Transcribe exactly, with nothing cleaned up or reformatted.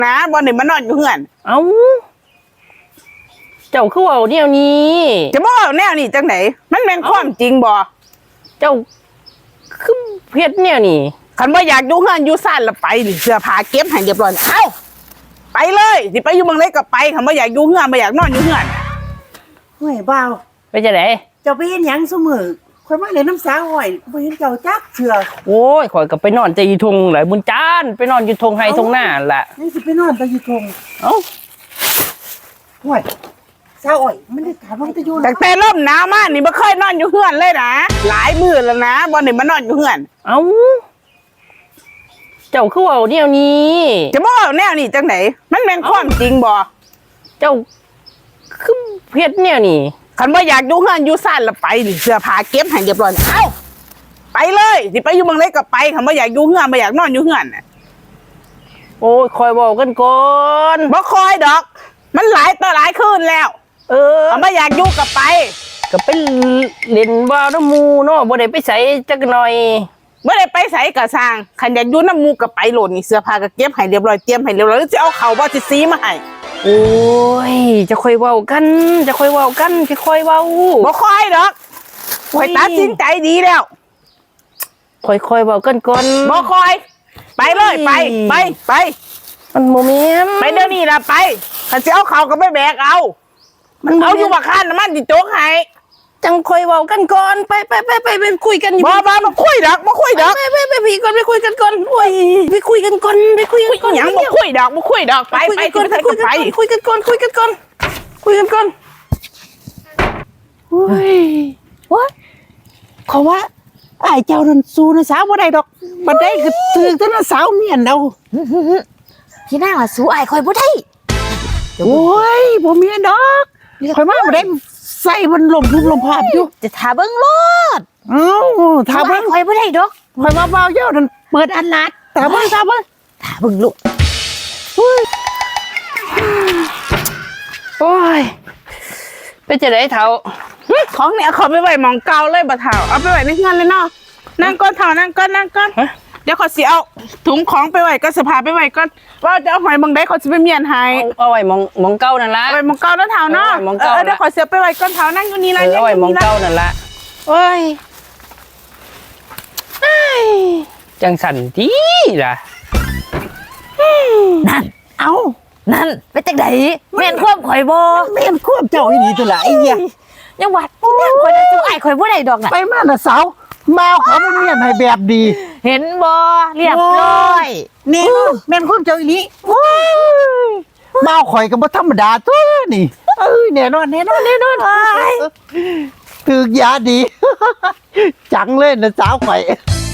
นะบอลนี่มันนอนอยู่เฮือนเอ้าเจ้าคือว่าเดี๋ยวนี้จะบอกแนวนี่จังไหนมันเป็นความจริงบ่เจ้าคือเพชรเนี่ยนี่คันว่าอยากอยู่เฮือนอยู่ซ่านละไปดิเสื้อผ้าเก็บให้เรียบร้อยเอ้าไปเลยสิไปอยู่เมืองเล็กก็ไปคันว่าอยากอยู่เฮือนไม่อยากนอนอยู่เฮือนเฮ้ยบ่าวไปจะไหนเจ้าไปเห็นหยังซุมื้อข่อยมาเลยน้ำสาอ้อยบ่เห็นเจ้าจักเชื่อโอ้ยข่อยก็ไปนอนใจอยู่ทงหลายบุญจานไปนอนอยู่ทงไฮทงหน้าแหละนี่สิไปนอนตะอยู่ทงเอ้าห้วยสาอ้อยมันได้ถามว่าตะอยู่แต่แต่เริ่มหนาวมากนี่ไม่เคยนอนอยู่เฮือนเลยนะหลายมื้อแล้วนะบอลนี่มันนอนอยู่เฮือนเอ้าเจ้าคือว่าเดี๋ยวนี้จะบอกแนวนี่จังไหนมันเป็นความจริงบ่เจ้าคือเพชรเนี่ยนี่คันว่าอยากอยู่เฮือนอยู่ซ่านละไปดิเสื้อผ้าเก็บให้เรียบร้อยเอ้าไปเลยสิไปอยู่เมืองเล็กก็ไปคันว่าอยากอยู่เฮือนไม่อยากนอนอยู่เฮือนโอ้ยคอยบอกกันก่อนบ่คอยดอกมันหลายต่อหลายคืนแล้วเออคันว่าอยากอยู่ก็ไปก็ไปเล่นบ่าวน้ำมูเนาะบ่ได้ไปใส่จักหน่อยบ่ได้ไปใส่กะสร้างคันอยากอยู่น้ำมูก็ไปโหลดนี่เสื้อผ้าก็เก็บให้เรียบร้อยเตรียมให้เรียบร้อยแล้วสิเอาเข้าบ่สิซีมาให้โอ้ยจะค่อยเว้ากันจะค่อยเว้ากันจะค่อยเว้าบ่ค่อยดอกค่อยตัดสินใจดีแล้วค่อยๆเว้ากันก่อนบ่ค่อยไปเลยไปไปไปมันโมเมนต์ไปเดี๋ยวนี้ล่ะไปคันสิเอาเข้าก็ไปแบกเอามันเอาอยู่บ่คันมันสิโจกให้จังค่อยเว้ากันก่อนไปไปไปไปไปคุยกันอยู่บ่บ่บ่คุยดอกบ่คุยดอกไปไปไปพี่ก่อนไปคุยกันก่อนโอ้ยไปคุยกันก่อนไปคุยกันก่อนหยังบ่คุยดอกบ่คุยดอกไปไปคุยกันก่อนไปคุยกันก่อนคุยกันก่อนคุยกันก่อนโอ้ยว่าเขาว่าไอ้เจ้านั่นสู้นะสาวบ่ได้ดอกบ่ได้ก็ถือแต่นะสาวเมียนเอาพี่นางว่าสู้อ้ายข่อยบ่ได้โอ้ยบ่เมียนดอกข่อยมาบ่ได้ใส่มันลมทุบลมพาบอยู่จะท่าเบิ่งโลดเอ้าท่าเบิ่งข่อยบ่ได้ดอกข่อยมาเบาเยอะนั่นเปิดอันลัดท่าเบิ่งท่าเบิ่งท่าเบิ่งลูกโอ้ยไปจะได้เฒ่าของเนี่ยขอไปไว้หมองเก่าเลยบ่เฒ่าเอาไปไว้ในเฮือนเลยเนาะนั่งก่อนเฒ่านั่งก่อนนั่งก่อนเดี๋ยวขอสิเอาถุงของไปไว้ก็สภาไปไว้ก่อนว่าจะเอาหอยบางได้ขอสิไปเมียนให้เอาไว้มองมองเก่านั่นละไว้มองเก่าแล้วเฒ่าเนาะเออเดี๋ยวขอเสียไปไว้ก่อนเฒ่านั่งอยู่นี่ละเอาไว้มองเก่านั่นละโอ้ยจังสั่นทีล่ะนั่นเอานั่นไปจังได๋แม่นความข่อยบ่แม่นควบเจ้าอีนี่ตัวละไอ้เหี้ยยังว่าพี่นางข่อยน่ะสู้อ้ายข่อยบ่ได้ดอกน่ะไปมาน่ะสาวมาเขาเป็นเมียนให้แบบดีเห็นบ่เรียบร้อยนี่แม่นควบเจ้าอีนี่มาข่อยก็บ่ธรรมดาตัวนี่เอ้ยแน่นอนแน่นอนแน่นอนถึกยาดีจังเลยนะสาวข่อย